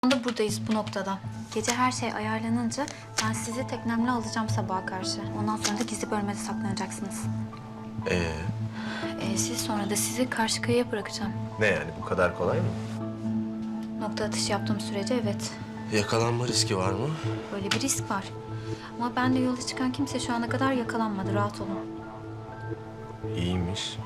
anda buradayız bu noktada. Gece her şey ayarlanınca ben sizi teknemle alacağım sabaha karşı. Ondan sonra da gizli bölmede saklanacaksınız. Siz sonra da sizi karşı kıyıya bırakacağım. Ne yani, bu kadar kolay mı? Nokta atışı yaptığım sürece evet. Yakalanma riski var mı? Böyle bir risk var. Ama ben de yola çıkan kimse şu ana kadar yakalanmadı. Rahat olun. İyiymiş.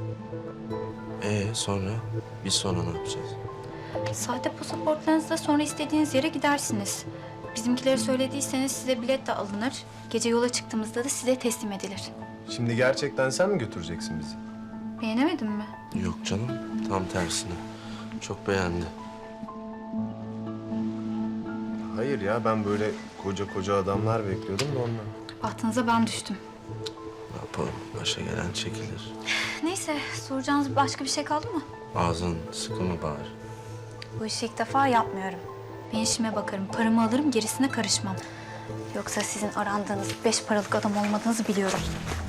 Sonra? Biz sonra ne yapacağız? Sahte pasaportlarınızla sonra istediğiniz yere gidersiniz. Bizimkileri söylediyseniz size bilet de alınır. Gece yola çıktığımızda da size teslim edilir. Şimdi gerçekten sen mi götüreceksin bizi? Beğenemedin mi? Yok canım, tam tersine. Çok beğendi. Hayır ya, ben böyle koca adamlar bekliyordum da ondan. Bahtınıza ben düştüm. Ne yapalım? Başa gelen çekilir. Neyse, soracağınız başka bir şey kaldı mı? Ağzın sıkı mı bari? Bu işi ilk defa yapmıyorum. Ben işime bakarım, paramı alırım, gerisine karışmam. Yoksa sizin arandığınız 5 paralık adam olmadığınızı biliyorum.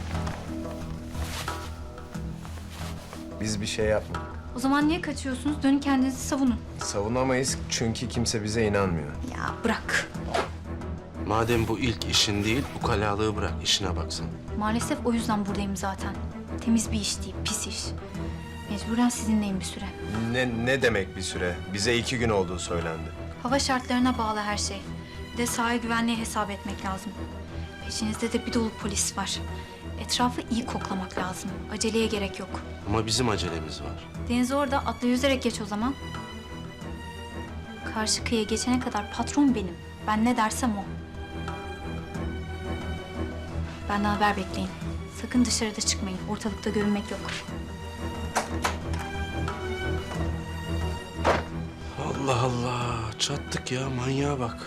Biz bir şey yapmadık. O zaman niye kaçıyorsunuz? Dönün kendinizi savunun. Savunamayız çünkü kimse bize inanmıyor. Ya bırak. Madem bu ilk işin değil, ukalalığı bırak, işine baksan. Maalesef o yüzden buradayım zaten. Temiz bir iş değil, pis iş. Mecburen sizinleyim bir süre. Ne demek bir süre? Bize 2 gün olduğu söylendi. Hava şartlarına bağlı her şey. Bir de sahil güvenliği hesap etmek lazım. Peşinizde de bir dolu polis var. Etrafı iyi koklamak lazım. Aceleye gerek yok. Ama bizim acelemiz var. Deniz orada, atla yüzerek geç o zaman. Karşı kıyıya geçene kadar patron benim. Ben ne dersem o. Benden haber bekleyin. Sakın dışarıda çıkmayın. Ortalıkta görünmek yok. Allah Allah, çattık ya, manyağa bak.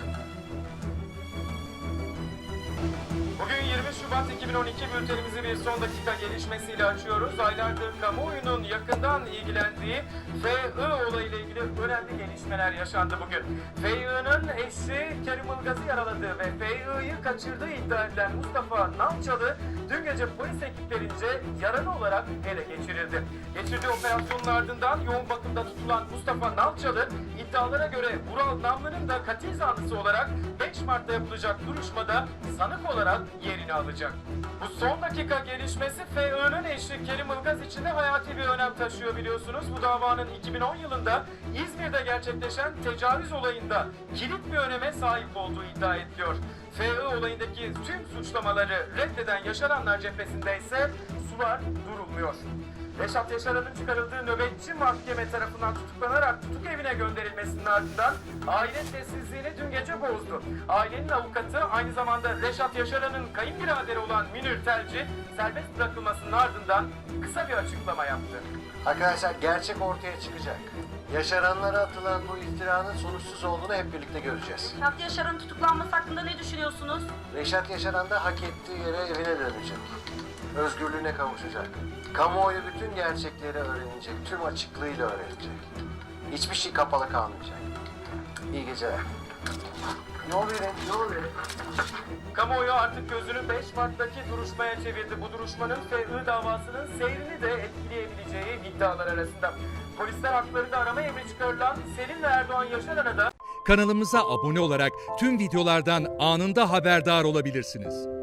Bugün 20 Şubat 2012 bültenimizi bir son dakika gelişmesiyle açıyoruz. Aylardır kamuoyunun yakından ilgilendiği FI olayıyla ilgili önemli gelişmeler yaşandı bugün. FI'nin eşi Kerim Ilgaz'ı yaraladığı ve FI'yi kaçırdığı iddia edilen Mustafa Nalçalı dün gece polis ekiplerince yaralı olarak ele geçirildi. Geçirdiği operasyonun ardından yoğun bakımda tutulan Mustafa Nalçalı iddialara göre Vural Namlı'nın da katil zanlısı olarak 5 Mart'ta yapılacak duruşmada sanık olarak yerini alacak. Bu son dakika gelişmesi FI'nin eşi Kerim Ilgaz için de hayati bir önem taşıyor biliyorsunuz. Bu davanın 2010 yılında İzmir'de gerçekleşen tecavüz olayında kilit bir öneme sahip olduğu iddia ediliyor. FI olayındaki tüm suçlamaları reddeden yaşananlar cephesinde ise sular durulmuyor. Reşat Yaşaran'ın çıkarıldığı nöbetçi mahkeme tarafından tutuklanarak tutuk evine gönderilmesinin ardından aile sessizliğini dün gece bozdu. Ailenin avukatı aynı zamanda Reşat Yaşaran'ın kayınbiraderi olan Münir Telci serbest bırakılmasının ardından kısa bir açıklama yaptı. Arkadaşlar gerçek ortaya çıkacak. Yaşaranlara atılan bu iftiranın sonuçsuz olduğunu hep birlikte göreceğiz. Reşat Yaşar'ın tutuklanması hakkında ne düşünüyorsunuz? Reşat Yaşaran da hak ettiği yere evine dönecek. Özgürlüğüne kavuşacak. Kamuoyu bütün gerçekleri öğrenecek, tüm açıklığıyla öğrenecek. Hiçbir şey kapalı kalmayacak. İyi geceler. Ne oluyor? Ne oluyor? Kamuoyu artık gözünü 5 Mart'taki duruşmaya çevirdi. Bu duruşmanın FI davasının seyrini de etkileyebileceği iddialar arasında. Polisler haklarında arama emri çıkarılan Selin ve Erdoğan Yaşaran'a da Kanalımıza abone olarak tüm videolardan anında haberdar olabilirsiniz.